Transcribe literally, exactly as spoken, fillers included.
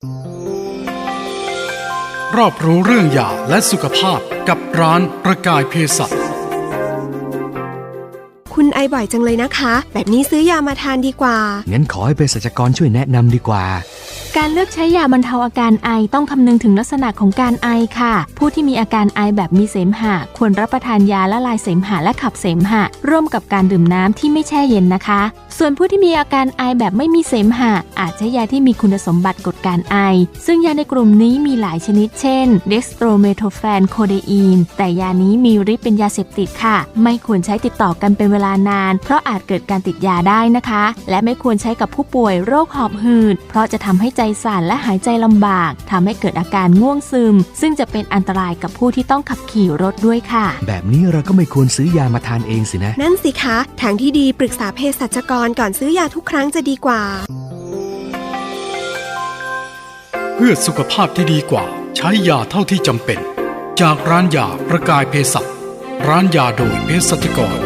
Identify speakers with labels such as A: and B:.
A: รอบรู้เรื่องยาและสุขภาพกับร้านประกายเภสัช
B: คุณไอบ่อยจังเลยนะคะแบบนี้ซื้อยามาทานดีกว่า
C: งั้นขอให้เภสัชกรช่วยแนะนำดีกว่า
D: การเลือกใช้ยาบรรเทาอาการไอต้องคำนึงถึงลักษณะของการไอค่ะผู้ที่มีอาการไอแบบมีเสมหะควรรับประทานยาละลายเสมหะและขับเสมหะร่วมกับการดื่มน้ำที่ไม่แช่เย็นนะคะส่วนผู้ที่มีอาการไอแบบไม่มีเสมหะอาจใช้ยาที่มีคุณสมบัติกดการไอซึ่งยาในกลุ่มนี้มีหลายชนิดเช่นเด็กสโตรเมโทแฟนโคเดอีนแต่ยานี้มีฤทธิ์เป็นยาเสพติดค่ะไม่ควรใช้ติดต่อกันเป็นเวลานานเพราะอาจเกิดการติดยาได้นะคะและไม่ควรใช้กับผู้ป่วยโรคหอบหืดเพราะจะทำให้ใจสั่นและหายใจลำบากทำให้เกิดอาการง่วงซึมซึ่งจะเป็นอันตรายกับผู้ที่ต้องขับขี่รถด้วยค่ะ
C: แบบนี้เราก็ไม่ควรซื้อยามาทานเองสินะ
B: นั่นสิคะทางที่ดีปรึกษาเภสัชกรก่อนซื้อยาทุกครั้งจะดีกว่า
A: เพื่อสุขภาพที่ดีกว่าใช้ยาเท่าที่จำเป็นจากร้านยาประกายเภสัชร้านยาโดยเภสัชกร